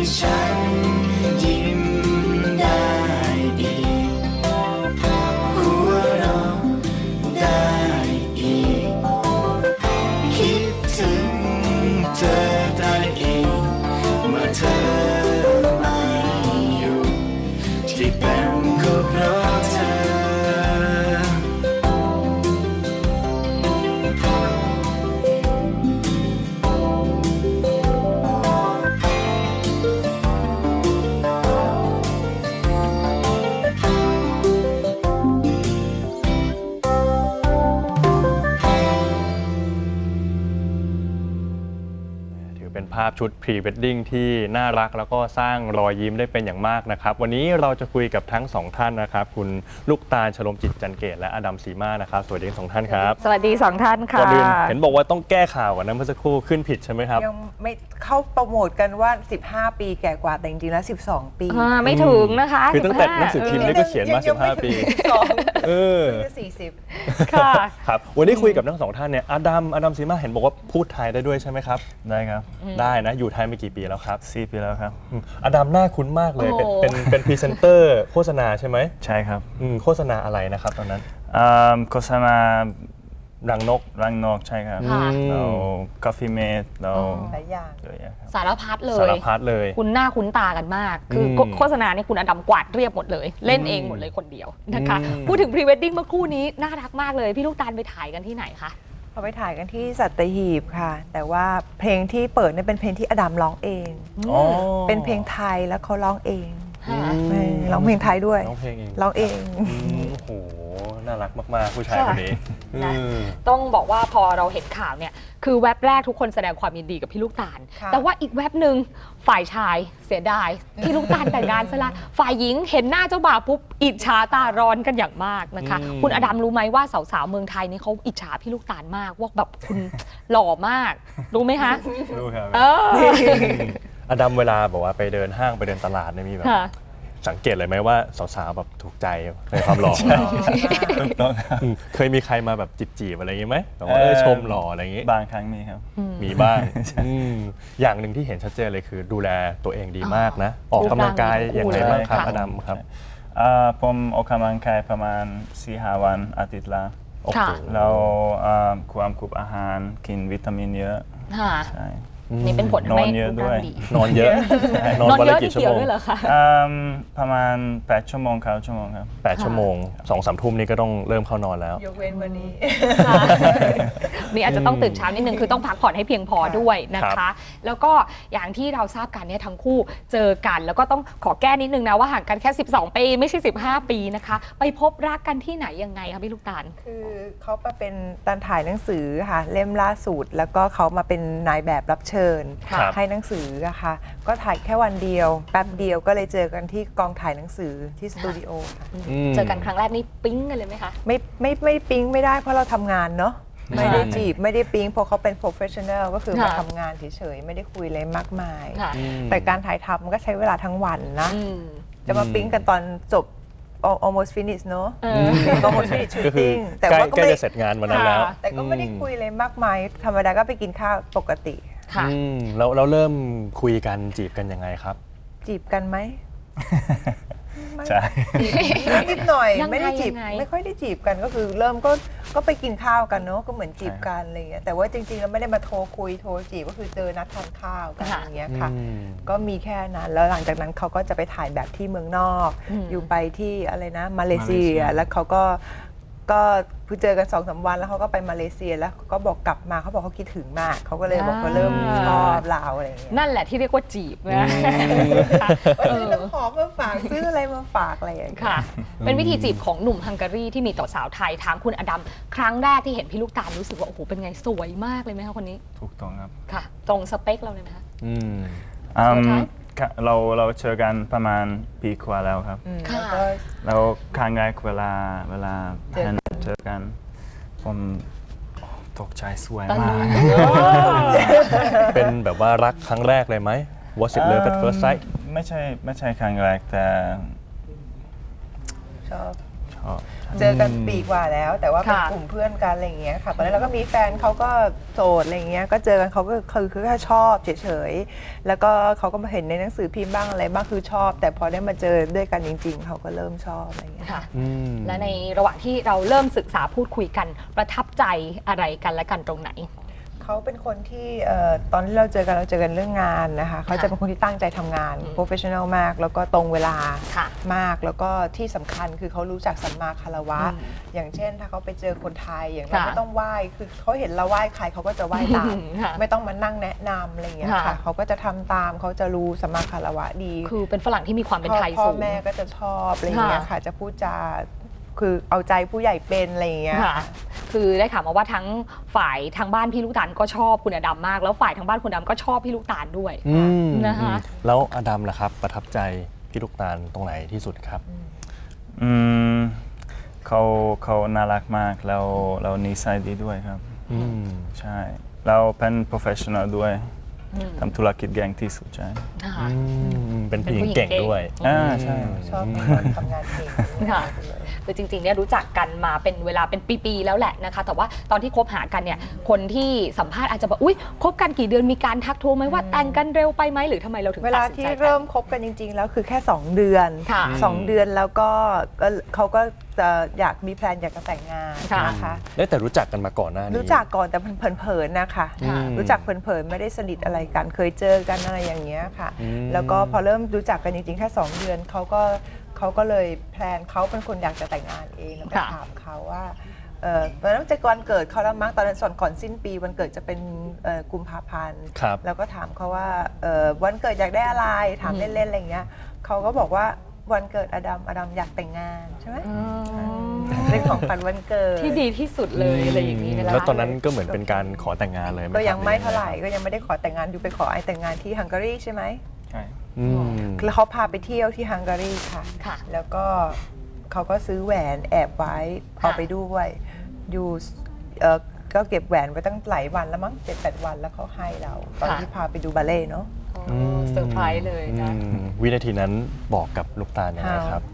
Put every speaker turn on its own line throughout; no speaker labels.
ฉันยิ้มได้อีกหัวเราะได้อีกคิดถึงเธอได้อีกเมื่อเธอไม่อยู่ที่เป็นก็เพราะเธอ
เป็นภาพชุดพรีเวดดิ้งที่น่ารักแล้วก็สร้างรอยยิ้มได้เป็นอย่างมากนะครับวันนี้เราจะคุยกับทั้งสองท่านนะครับคุณลูกตาล ชโลมจิตจันเกตและอดัมสีมานะครับสวัสดีทั้งสองท่านครับ
สวัสดี2ท่านค่ะ
ก่อนอื่นเห็นบอกว่าต้องแก้ข่าวกันนะเมื่อสักครู่ขึ้นผิดใช่ไหมครับ
ยังไม่เข้าโปรโมทกันว่า15 ปีแก่กว่าแต่จริงๆแล้ว12 ปี
ไม่ถึงนะคะ
คือตั้งแต่หนังสือพิมพ์นี่ก็เขียนมา15 ปี
40
ค่ะ
ครับวันนี้คุยกับทั้งสองท่านเนี่ยอดัมสีมาเห็นบอกว่าพูดไทยได้ด้วยใช่ไหมครับ
ได้ครับ
ได้นะอยู่ไทยมากี่ปีแล้วครับ
4 ปีแล้วครับ
อดัมหน้าคุ้นมากเลยเป็นพรีเซนเตอร์โฆษณาใช่ไหม
ใช่ครับ
โฆษณาอะไรนะครับตอนนั้น
โฆษณา
รังนก
ใช่ครับเรากาแฟเมดเรา
หลายอย่าง
สารพัดเลยคุณหน้าคุ้นตากันมากคือโฆษณาเนี่ยคุณอดัมกวาดเรียบหมดเลยเล่นเองหมดเลยคนเดียวนะคะพูดถึงพรีเวดดิ้งเมื่อครู่นี้น่ารักมากเลยพี่ลูกตาลไปถ่ายกันที่ไหนคะ
เราไปถ่ายกันที่สัตหีบค่ะแต่ว่าเพลงที่เปิดเนี่ยเป็นเพลงที่อดัมร้องเองเป็นเพลงไทยแล้วเขาร้องเองร้องเพลงไทยด้วยร้องเอง
โอ้โหน่ารักมากๆผู้ชายคนนี้
ต้องบอกว่าพอเราเห็นข่าวเนี่ยคือแว็บแรกทุกคนแสดงความยินดีกับพี่ลูกตาลแต่ว่าอีกแว็บหนึ่งฝ่ายชายเสียดายพี่ลูกตาลแต่งงานซะละฝ่ายหญิงเห็นหน้าเจ้าบ่าวปุ๊บอิจฉาตาร้อนกันอย่างมากนะคะคุณอดัมรู้ไหมว่าสาวๆเมืองไทยนี่เขาอิจฉาพี่ลูกตาลมากว่าแบบคุณหล่อมากรู้ไหมคะ
รู้ครับ
อดัมเวลาบอกว่าไปเดินห้างไปเดินตลาดเนี่ยมีแบบสังเกตเลยไหมว่าสาวๆแบบถูกใจในความหล่อเคยมีใครมาแบบจีบอะไรอย่างงี้ไหมแบบว่าชมหล่ออะไรอย่างงี้
บางครั้งมีครับ
มีบ้างอย่างหนึ่งที่เห็นชัดเจนเลยคือดูแลตัวเองดีมากนะออกกำลังกายอย่างไรบ้างครับอดัมครับ
ผมออกกำลังกายประมาณ 4-5 วันอาทิตย์ละเราควบคุมอาหารกินวิตามินเยอะ
ใช่นี่เป็นผล
นอนเยอะด้วย
นอนเยอะ
นอนเยอะกี่ชั่วโมงด้วยเหรอคะ
ประมาณ8 ชั่วโมง9 ชั่วโมงครับ
8 ชั่วโมง 2-3 ทุ่มนี่ก็ต้องเริ่มเข้านอนแล้ว
ยกเว้นวันนี้
นี่อาจจะต้องตื่นเช้านิดนึงคือต้องพักผ่อนให้เพียงพอด้วยนะคะแล้วก็อย่างที่เราทราบกันเนี่ยทั้งคู่เจอกันแล้วก็ต้องขอแก้นิดนึงนะว่าห่างกันแค่12 ปีไม่ใช่15 ปีนะคะไปพบรักกันที่ไหนยังไงคะพี่ลูกตาล
คือเขามาเป็นตอนถ่ายหนังสือค่ะเล่มล่าสุดแล้วก็เขามาเป็นนายแบบรับเชิญให้หนังสืออะค่ะก็ถ่ายแค่วันเดียวแป๊บเดียวก็เลยเจอกันที่กองถ่ายหนังสือที่สตูดิโอค่ะ
เจอกันครั้งแรกนี่ปิ๊งกันเลยไหมคะ
ไม่ปิ๊งไม่ได้เพราะเราทำงานเนาะไม่ได้จีบไม่ได้ปิ๊งเพราะเขาเป็น professional ก็คือมาทำงานเฉยๆไม่ได้คุยอะไรมากมายแต่การถ่ายทำมันก็ใช้เวลาทั้งวันนะจะมาปิ๊งกันตอนจบalmost finish เนอะ almost finish shooting
แต่ว่าก็ไม่ได้เสร็จงานวันนั้นแล้ว
แต่ก็ไม่ได้คุยอะไรมากมายธรรมดาก็ไปกินข้าวปกติ
ค่ะ
เราเริ่มคุยกันจีบกันยังไงครับ
จีบกันไหม
ใช่
นิดหน่อยไม่ได้จีบไม่ค่อยได้จีบกันก็คือเริ่มก็ไปกินข้าวกันเนาะก็เหมือนจีบกันอะไรอย่างเงี้ยแต่ว่าจริงๆเราไม่ได้มาโทรคุยโทรจีบก็คือเจอนัดทานข้าวกันอย่างเงี้ยค่ะก็มีแค่นั้นแล้วหลังจากนั้นเขาก็จะไปถ่ายแบบที่เมืองนอกอยู่ไปที่อะไรนะมาเลเซียแล้วเขาก็เจอกัน2-3 วันแล้วเขาก็ไปมาเลเซียแล้วก็บอกกลับมาเขาบอกเขาคิดถึงมากเขาก็เลยบอกเขาเริ่มชอบเราอะไรอย่างเงี้ย
นั่นแหละที่เรียกว่าจีบนะ
ซื้อน้ำหอมมาฝากซื้ออะไรมาฝากอะไรอย่างเงี้ย
ค่ะเป็นวิธีจีบของหนุ่มฮังการีที่มีต่อสาวไทยถามคุณอดัมครั้งแรกที่เห็นพี่ลูกตาลรู้สึกว่าโอ้โหเป็นไงสวยมากเลยไหมคะคนนี้
ถูกต้องครับ
ค่ะตรงสเปคเราเลยไหมคะ
เราเจอกันประมาณปีกว่าแล้วครับแล้วครั้งแรกเวลาเจอกันผมตกใจสวยมาก
เป็นแบบว่ารักครั้งแรกเลยไหม Was it love at first sight
ไม่ใช่ครั้งแรกแต่
ชอบ
ชอบ
เจอกันปีกว่าแล้ว แต่ว่าเป็น
ค่ะ
กลุ่มเพื่อนกันอะไรอย่างเงี้ยค่ะตอนนั้นเราก็มีแฟนเขาก็โสดอะไรอย่างเงี้ยก็เจอกันเขาก็คือแค่ชอบเฉยๆแล้วก็เขาก็มาเห็นในหนังสือพิมพ์บ้างอะไรบ้างคือชอบ แต่พอได้มาเจอด้วยกันจริง ๆเขาก็เริ่มชอบอะไรอย่างเงี้ย
ค่ะ
อืม
และในระหว่างที่เราเริ่มศึกษาพูดคุยกันประทับใจอะไรกันและกันตรงไหน
เขาเป็นคนที่ตอนที่เราเจอกันเรื่องงานนะคะเขาจะเป็นคนที่ตั้งใจทำงาน professional มาก แล้วก็ตรงเวลา
ค่ะ
มากแล้วก็ที่สำคัญคือเขารู้จักสัมมาคารวะ
อืม
อย่างเช่น ถ้าเขาไปเจอคนไทยอย่างเรา
ค่ะ
ไม่ต้องไหว้คือเขาเห็นเราไหว้ใครเขาก็จะไหว้ตาม
ค่ะ
ไม่ต้องมานั่งแนะนำอะไรอย่างเงี้ย
ค่ะ
ค่ะเขาก็จะทำตามเขาจะรู้สัมมาคารวะดี
คือเป็นฝรั่งที่มีความเป็นไทย
พ่อ
สูง
แม่ก็จะชอบอะไรอย่างเงี้ย
ค่ะ
ค่ะจะพูดจาคือเอาใจผู้ใหญ่เป็นอะไรอย่างเงี้ย
ค่ะ คือได้ข่าวมาว่าทั้งฝ่ายทางบ้านพี่ลูกตาลก็ชอบคุณอดัมมาก แล้วฝ่ายทางบ้านคุณอดัมก็ชอบพี่ลูกตาลด้วย
อืม
นะคะ
แล้วอดัมล่ะครับประทับใจพี่ลูกตาลตรงไหนที่สุดครับ
อืมเขาน่ารักมากแล้วเรานิสัยดีด้วยครับ
อืม
ใช่เราเป็น professional ด้วยทำธุรกิจเก่งที่สุดใช่
นะคะ
เป็นผู้หญิงเก่งด้วย
ใช่
ชอบคนทำงานเก่ง
ค่ะ คือจริงๆเนี่ยรู้จักกันมาเป็นเวลาเป็นปีๆแล้วแหละนะคะ แต่ว่าตอนที่คบหากันเนี่ยคนที่สัมภาษณ์อาจจะบอกอุ๊ยคบกันกี่เดือนมีการทักทวงไหมว่าแต่งกันเร็วไปไหมหรือทำไมเราถึง
เว
ตั
ลา
ดสิน
ที่
ใจแต่ง
เริ่มคบกันจริง ๆ แล้วคือแค่ 2 เดือน
ค่ะ
2 เดือนแล้วก็เขาก็จะอยากมีแพลนอยากจะแต่งงาน
ค่ะ
นะคะ
ได้แต่รู้จักกันมาก่อนหน้านี้
รู้จักก่อนแต่เผินๆนะคะ
อืม
รู้จักเผินๆไม่ได้สนิทอะไรกันเคยเจอกันอะไรอย่างเงี้ยค่ะ
อืม
แล้วก็พอเริ่มรู้จักกันจริงๆแค่ 2 เดือนเขาก็เลยแพลนเขาเป็นคนอยากจะแต่งงานเองแล้วก็
ค่ะ
ถามเขาว่าตอนนั้นจะวันเกิดเขาแล้วมั้งตอนนั้นก่อนสิ้นปีวันเกิดจะเป็นกุมภาพันธ์
ครับ
แล้วก็ถามเขาว่าวันเกิดอยากได้อะไรถามเล่นๆอะไรอย่างเงี้ยเขาก็บอกว่าวันเกิดอดัมอยากแต่งงานใช่ไหมเป็นของขวัญวันเกิด
ที่ดีที่สุดเลยอะไรอย่างนี้นะคะ
แล้วตอนนั้นก็เหมือนเป็นการขอแต่งงานเลยห
ก็ยังไม่
ครับ
เท่าไหร่ก็ยังไม่ได้ขอแต่งงานอยู่ไปขอไอแต่งงานที่ฮังการีใช่ไหม
ใช่
อืม
แล้วเขาพาไปเที่ยวที่ฮังการีค่ะ
ค่ะ
แล้วก็เขาก็ซื้อแหวนแอบไว้เอาไปด้วยอยู่ก็เก็บแหวนไว้ตั้งหลายวันแล้วมั้ง7-8 วันแล้วเขาให้เราตอนที่พาไปดูบัลเล่ต์เนาะ
โอ้เซอร์ไพรส์เลยนะ
วินาทีนั้นบอกกับลูกตาลยังไงครับ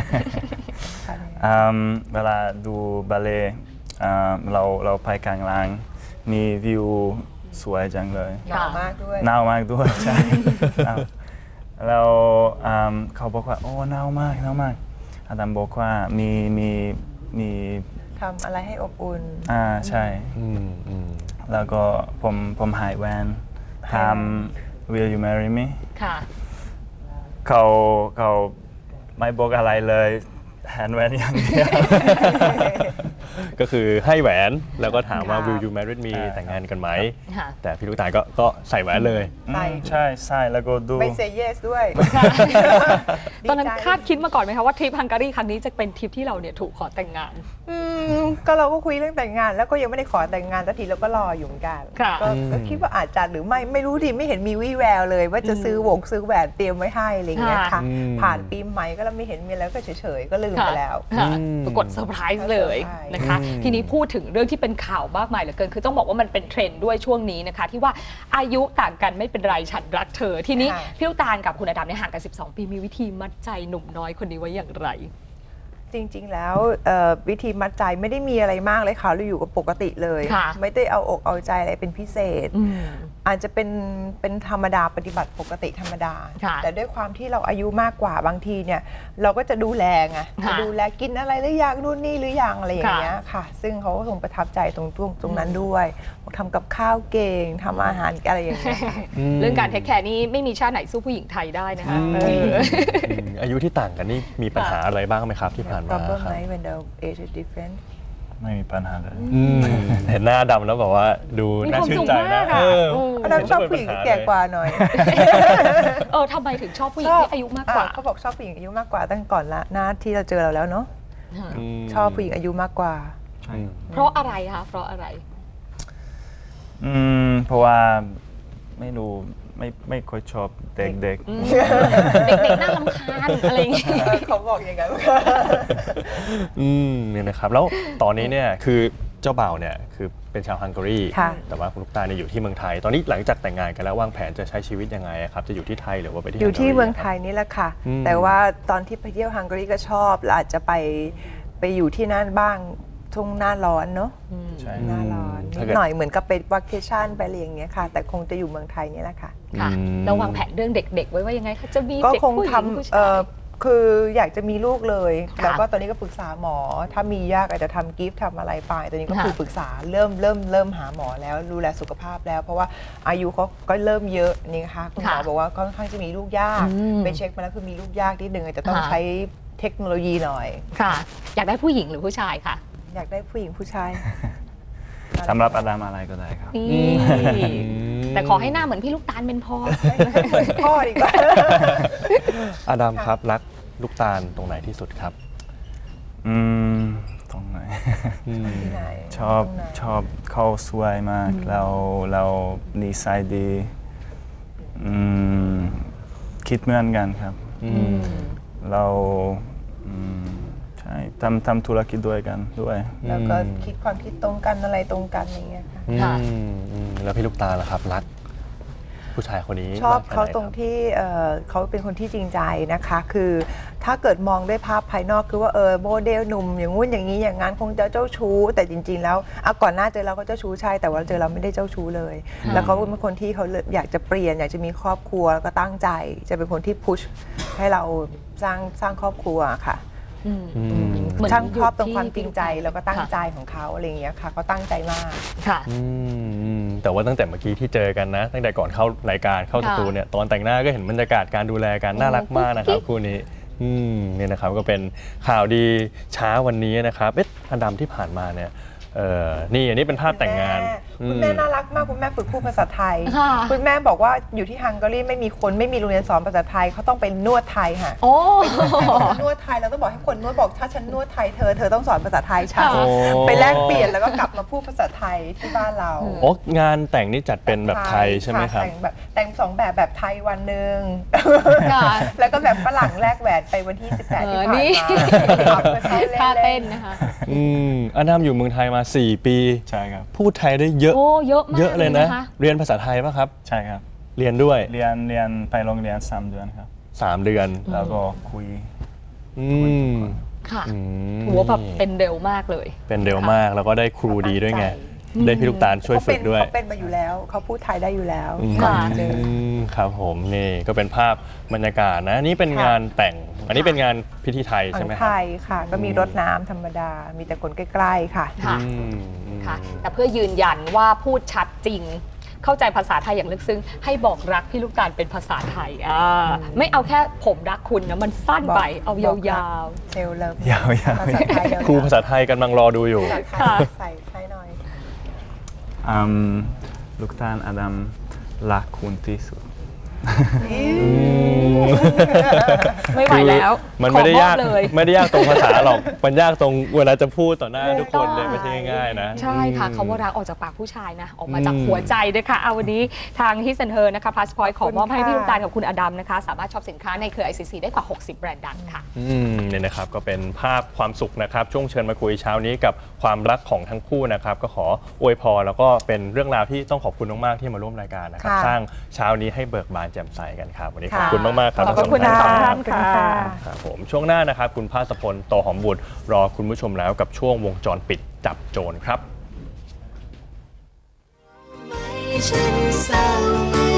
เวลาดูบัลเล่ต์เราไปกลางลางมีวิวสวยจังเลย
หนาวมากด้วย
หนาวมากด้วยใช่ หนาวแล้วเขาบอกว่าโอ้หนาวมากอาดัมบอกว่ามี
ทำอะไรให้อบอุ่น
ใช่
อืม
แล้วก็ผมหายแวนถาม Will you marry me
ค่ะ
เขาไม่บอกอะไรเลยแฮนด์แวนอย่างเดียว
ก็คือให้แหวนแล้วก็ถามว่า
ค่ะ
will you marry me แต่งงานกันไหม
ค่ะ
แต่พี่ลูกตาลก็ใส่แหวนเลย
ใส่
ใช่แล้วก็ดู
ไม่เซเยสด้วย
ตอนนั้น
ดีใจ
คาดคิดมาก่อนไหมคะว่าทริปฮังการีครั้งนี้จะเป็นทริปที่เราเนี่ยถูกขอแต่งงาน
ก็เราก็คุยเรื่องแต่งงาน แล้วก็ยังไม่ได้ขอแต่งงานสักทีเราก็รออยู่เหมือนกัน
ค่ะ
ก็คิดว่าอาจจะหรือไม่รู้ดิไม่เห็นมีวี่แววเลย ว่าจะซื้อแหวนเตรียมไว้ให้อะไรอย่างเงี้ยค่ะ ผ่านปีใหม่ก็เราไม่เห็นมีอะไรก็เฉยๆก็ลืมไปแล้ว
ค่ะปรากฏเซอร์ไพรส์เลย
เซอร์ไพรส์
นะคะ ทีนี้พูดถึงเรื่องที่เป็นข่าวมากมายเหลือเกิน คือต้องบอกว่ามันเป็นเทรนด์ด้วยช่วงนี้นะคะ ที่ว่าอายุต่างกันไม่เป็นไรฉันรักเธอ ทีนี้พี่ลูกตาลกับคุณอดัมเนี่ยห่างกัน 12 ปีมีวิธีมัดใจหนุ่มน้อยคนนี้ไว้อย่างไร
จริงๆแล้ววิธีมัดใจไม่ได้มีอะไรมากเลยค่ะเราอยู่กับปกติเลย
ค่ะ
ไม่ได้เอาอกเอาใจอะไรเป็นพิเศษ อาจจะเป็นธรรมดาปฏิบัติปกติธรรมดา
ค่ะ
แต่ด้วยความที่เราอายุมากกว่าบางทีเนี่ยเราก็จะดูแลไง
ค่ะ
จะดูแลกินอะไรหรือยังนู่นนี่หรือยังอะไรอย่างเงี้ยค่ะ ซึ่งเขาก็คงประทับใจตรงนั้นด้วยทำกับข้าวเก่งทำอาหารอะไรอย่างเงี้ยค่ะ
เรื่องการเทคแคร์นี่ไม่มีชาติไหนสู้ผู้หญิงไทยได้นะคะ
อายุที่ต่างกันนี่มีปัญหาอะไรบ้างไหมครับที่ผ่านมา
problem
ครับ
ไหม when the age is different
ไม่มีปัญหาเลย
เห็นหน้าดำแล้วแบบว่าดู
มี
น่า
ความ
ชื่น
สุข
ใจ
มา
นะ
กอะ
อันนั้นชอบผู้หญิงที่แก่กว่าหน่อย
ทำไมถึงชอบผู้หญิงที่อายุมากกว่า
เขาบอกชอบผู้หญิงอายุมากกว่าตั้งก่อนละหน้าที่เราเจอเราแล้วเนาะชอบผู้หญิงอายุมากกว่า
เพราะอะไรคะเพราะอะไร
เพราะว่าไม่รู้ไม่ค่อยชอบเด็ก
เด็กๆน่ารำคาญอะไรอย่างเงี้ย
เขาบอกอย่างนั้น
เนี่ยนะครับแล้วตอนนี้เนี่ยคือเจ้าบ่าวเนี่ยคือเป็นชาวฮังการี
ค่ะ
แต่ว่าคุณลูกตาลเนี่ยอยู่ที่เมืองไทย ตอนนี้หลังจากแต่งงานกันแล้ววางแผนจะใช้ชีวิตยังไงครับจะอยู่ที่ไทยหรือว่าไปที่
อยู่ที่
ฮัการี
เมืองไทยนี่แหละค่ะ แต่ว่าตอนที่ไปเที่ยวฮังการีก็ชอบแล้วอาจจะไปไปอยู่ที่นั่นบ้างช่วงหน้าร้อนเนาะ
ใช่
หน้าร้อน
ถ้า
นิด
เกิด
หน่อยเหมือนกับไปวัคเคชั่นไปอะไรอย่างเงี้ยค่ะ แต่คงจะอยู่เมืองไทยเนี่ยแหละค่ะ
ค่ะ
อืม
แล้ววางแผนเรื่องเด็ก ๆ ไว้ว่ายังไงคะจะมี
ก็
เด็ก
คง
ผู้หญิ
ท
งผู้
ำ
ชาย
คืออยากจะมีลูกเลย
ค่ะ
แล้วก็ตอนนี้ก็ปรึกษาหมอ ถ้ามียากอาจจะทำกิฟต์ทำอะไรไปตอนนี้ก็
ค่ะ
คือปรึกษาเริ่มหาหมอแล้วดูแลสุขภาพแล้ว เพราะว่าอายุเขาก็เริ่มเยอะนี่นะคะคุณหมอบอกว่าค่อนข้างจะมีลูกยาก
อืม
ไปเช็คมาแล้วคือมีลูกยากนิดนึงอาจจะต้อง
ค่ะ
ใช้เทคโนโลยีหน่อย
ค่ะ อยากได้ผู้หญิงหรือผู้ชายค่ะ
อยากได้ผู้หญิงผู้ชาย
สำหรับอดัมอะไรก็ได้ครับ
นี่แต่ขอให้หน้าเหมือนพี่ลูกตาลเป็นพอ
เหมือนพ่อดีกว่า
อดัมครับรักลูกตาลตรงไหนที่สุดครับ
อืมตรงไหน
ที่ไหน
ชอบ
ตรงไหน
ชอบเขาสวยมากแล้วนิสัยดีคิดเหมือนกันครับเราใช่ทำธุรกิจด้วยกันด้วย
แล้วก็คิดความคิดตรงกันอะไรตรงกันอย่างเงี้ยค่ะ
ค่ะ
แล้วพี่ลูกตาลล่ะครับรักผู้ชายคนนี้
ชอบ
มกแค่
เขา
ไหน
ตรง
คบ
ที่เขาเป็นคนที่จริงใจนะคะ คือถ้าเกิดมองด้วยภาพภายนอกคือว่าโมเดลหนุ่มอย่างงู้นอย่างนี้อย่างนั้นคงจะเจ้าชู้ แต่จริง ๆ แล้วก่อนหน้าเจอเราก็เจ้าชู้ใช่แต่ว่าเจอเราไม่ได้เจ้าชู้เลย แล้วเขาเป็นคนที่เขาอยากจะเปลี่ยนอยากจะมีครอบครัวแล้วก็ตั้งใจ จะเป็นคนที่พุชให้เราสร้างครอบครัวค่ะ
เหมือน
ช่างชอบตรง
อยู่ที่
ความจริงใจ
พี่ลูกตาล
แล้วก็ตั้ง
ค่ะ
ใจของเขาอะไรอย่างเงี้ยค่ะเขาตั้งใจมาก
ค่ะ
แต่ว่าตั้งแต่เมื่อกี้ที่เจอกันนะ ตั้งแต่ก่อนเข้ารายการเข้าสตูเนี่ยตอนแต่งหน้าก็เห็นบรรยากาศการดูแลกันน่ารักมากนะครับคู่นี้เนี่ยนะครับก็เป็นข่าวดีเช้าวันนี้นะครับอดัมที่ผ่านมาเนี่ยนี่อันนี้เป็นภาพแต่งงาน
คุณแม่น่ารักมากคุณแม่ฝึกพูดภาษาไทย
ค่ะ
คุณแม่บอกว่าอยู่ที่ฮังการีไม่มีโรงเรียนสอนภาษาไทยเขาต้องไปนวดไทยค่ะ
โอ้
นวดไทยเราต้องบอกให้คนนวดบอกถ้าฉันนวดไทยเธอต้องสอนภาษาไทยฉัน
โอ้
ไปแลกเปลี่ยนแล้วก็กลับมาพูดภาษาไทยที่บ้านเรา
โอ้งานแต่งนี่จัดเป็นแบบไทยใช่ไหมครับ
แต่งสองแบบไทยวันหนึ่ง
ค่ะ
แล้วก็แบบฝรั่งแลกแหวนไปวันที่ 18 ที่ผ่าน
นี่
มาขับไปเขา
ท่า
เล่
เต้
น
นนะคะ
อดัมอยู่เมืองไทยมา 4 ปี
ใช่ครับ
พูดไทยได้เยอะ
โอ้เยอะมาก
เยอะเลยนะ
ค
เรียนภาษาไทยป่ะครับ
ใช่ครับ
เรียนด้วย
เรียนไปโรงเรียน3 เดือนครับ
3 เดือน
แล้วก็คุย
อืม
ค่ะ
อืม
ถือว่าแบบเป็นเร็วมากเลย
เป็นเร็วมากแล้วก็ได้ครูดีด้วยไง ได้พี่ลูกตาลช่วยฝึกด้วย
เขาเป็นมาอยู่แล้วเขาพูดไทยได้อยู่แล้ว
ค่ะ
เจอ
ครับผมนี่ก็เป็นภาพบรรยากาศนะนี่เป็น
ค่ะ
งานแต่ง อันนี้เป็นงานพิธีไทย
ข
ใช่
อง
ไหมค
ไท
รับ
ยค่ะ ก็มีรถน้ำธรรมดา มีแต่คนใกล้ๆค่ะ
ค่ะ
อืม
ค่ะ แต่เพื่อยืนยันว่าพูดชัดจริง เข้าใจภาษาไทยอย่างลึกซึ้งให้บอกรักพี่ลูกตาลเป็นภาษาไทยไม่เอาแค่ผมรักคุณนะมันสั้นไป
บอก
เอายาว
เซลเลิฟ
ยาวๆ
ภาษาไทย
ครูภาษาไทยกำลังรอดูอยู่
ภาษาไทย
ค่ะ
ใส่หน่อย
ลูกตาลอดัมรักคุณที่สุด
ๆ ไม่ไหวแล้ว
มันไม่ได้ยาก
ขอมอบเลย
ไม่ได้ยากตรงภาษาหรอก มันยากตรงเวลาจะพูดต่อหน้าทุกคนเลยไม่ใช่ง่ายๆนะ
ใช่ค่ะคำว่ารักออกจากปากผู้ชายนะ ออกมาจากหัวใจด้วยค่ะเอาวันนี้ทางฮิสเซนเฮอร์นะคะพาสปอร์ตขอมอบให้พี่ลูกตาลกับคุณอดัมนะคะ สามารถช็อปสินค้าในเครือ ICC ได้กว่า 60 แบรนด์ดังค่ะ
เนี่ยนะครับก็เป็นภาพความสุขนะครับช่วงเชิญมาคุยเช้านี้กับความรักของทั้งคู่นะครับก็ขออวยพรแล้วก็เป็นเรื่องราวที่ต้องขอบคุณมากๆที่มาร่วมรายการนะครับ
ค่ะ
สร้างเช้านี้ให้เบิกบานแจ่มใสกันครับวันนี้ขอบ
ค่ะ
คุณมากๆครับ
ขอบคุณ
ทั้
ทั้ง
ส
ส
อ
อง ง
ท่า
ท่าน นค่ะ
ครับผมช่วงหน้านะครับคุณภาสพลโตหอมบุตรรอคุณผู้ชมแล้วกับช่วงวงจรปิดจับโจรครับ
ไม่ฉันเศร้าเมื่อ